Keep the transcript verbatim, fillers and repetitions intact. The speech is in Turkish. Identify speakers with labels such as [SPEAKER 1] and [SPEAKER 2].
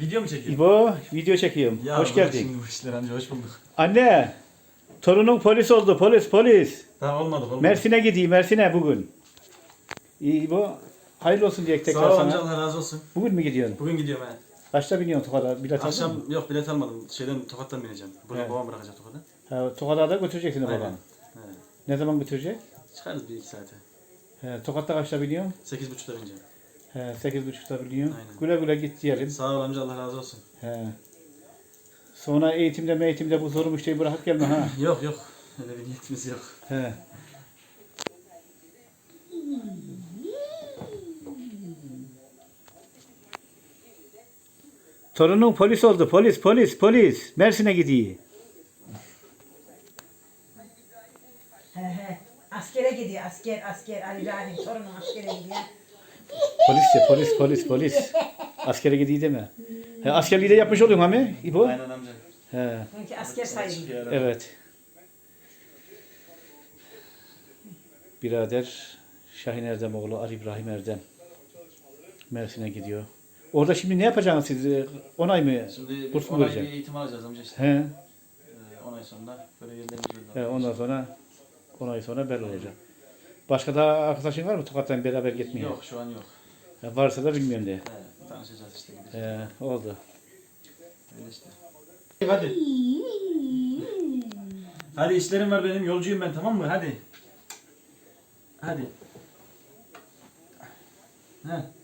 [SPEAKER 1] Video mu çekiyorsun?
[SPEAKER 2] İbo, video çekiyorum.
[SPEAKER 1] Ya
[SPEAKER 2] Hoş
[SPEAKER 1] bırak
[SPEAKER 2] geldin.
[SPEAKER 1] Şimdi bu işler amca hoş bulduk.
[SPEAKER 2] Anne, torunun polis oldu. Polis, polis.
[SPEAKER 1] Tamam olmadı olmadı.
[SPEAKER 2] Mersin'e gideyim, Mersin'e bugün. İyi İbo, hayırlı olsun diye tekrar
[SPEAKER 1] Sağ ol
[SPEAKER 2] sana.
[SPEAKER 1] amca Allah razı olsun.
[SPEAKER 2] Bugün mü gidiyorsun?
[SPEAKER 1] Bugün gidiyorum he.
[SPEAKER 2] Kaçta biniyorsun Tokat'a? Bilet aldın mı?
[SPEAKER 1] Akşam yok bilet almadım. Şeyden Tokat'tan bineceğim. Burada
[SPEAKER 2] Evet.
[SPEAKER 1] babam bırakacak Tokat'a.
[SPEAKER 2] Ha, Tokat'a da götüreceksin
[SPEAKER 1] Aynen.
[SPEAKER 2] babanı.
[SPEAKER 1] He.
[SPEAKER 2] Ne zaman götürecek?
[SPEAKER 1] Çıkarız bir iki saate.
[SPEAKER 2] He, Tokat'ta kaçta biniyorsun?
[SPEAKER 1] Sekiz buçukta bineceğim.
[SPEAKER 2] He, sekiz buçukta biniyorsun.
[SPEAKER 1] Aynen.
[SPEAKER 2] Güle güle git diyelim.
[SPEAKER 1] Sağ ol amca Allah razı olsun.
[SPEAKER 2] He. Sonra eğitimde eğitimde bu soru müşteriyi bırakıp gelme ha.
[SPEAKER 1] Yok yok. Öyle bir niyetimiz yok.
[SPEAKER 2] He. Torunun polis oldu. Polis, polis, polis. Mersin'e gidiyor.
[SPEAKER 3] He he. Askere gidiyor. Asker, asker. Ali Rahim sorunun askere gidiyor.
[SPEAKER 2] Polis de, polis, polis, polis. Askere gidiyor deme. He, askerliği de yapmış oluyorsun ha mi? İbo?
[SPEAKER 1] Aynen amca.
[SPEAKER 2] He,
[SPEAKER 3] Çünkü asker sayılıyor.
[SPEAKER 2] evet. Birader Şahin Erdemoğlu, Ali İbrahim Erdem. Mersin'e gidiyor. Orada şimdi ne yapacaksınız siz? On ay mı?
[SPEAKER 1] Şimdi
[SPEAKER 2] Burs mu
[SPEAKER 1] on ay bir
[SPEAKER 2] vereceksin?
[SPEAKER 1] eğitim alacağız amca işte.
[SPEAKER 2] He.
[SPEAKER 1] Ee, on ay sonra böyle yerlerimiz belli
[SPEAKER 2] He,
[SPEAKER 1] olacak.
[SPEAKER 2] ondan sonra on ay sonra belli olacak. Başka da arkadaşın var mı Tokat'tan beraber gitmeye?
[SPEAKER 1] Yok şu an yok.
[SPEAKER 2] He, varsa da bilmiyorum de.
[SPEAKER 1] He, tanışacağız işte. Gideceğiz.
[SPEAKER 2] He, oldu.
[SPEAKER 1] Öyle işte. Hadi. Hadi işlerim var benim. Yolcuyum ben tamam mı? Hadi. Hadi. He.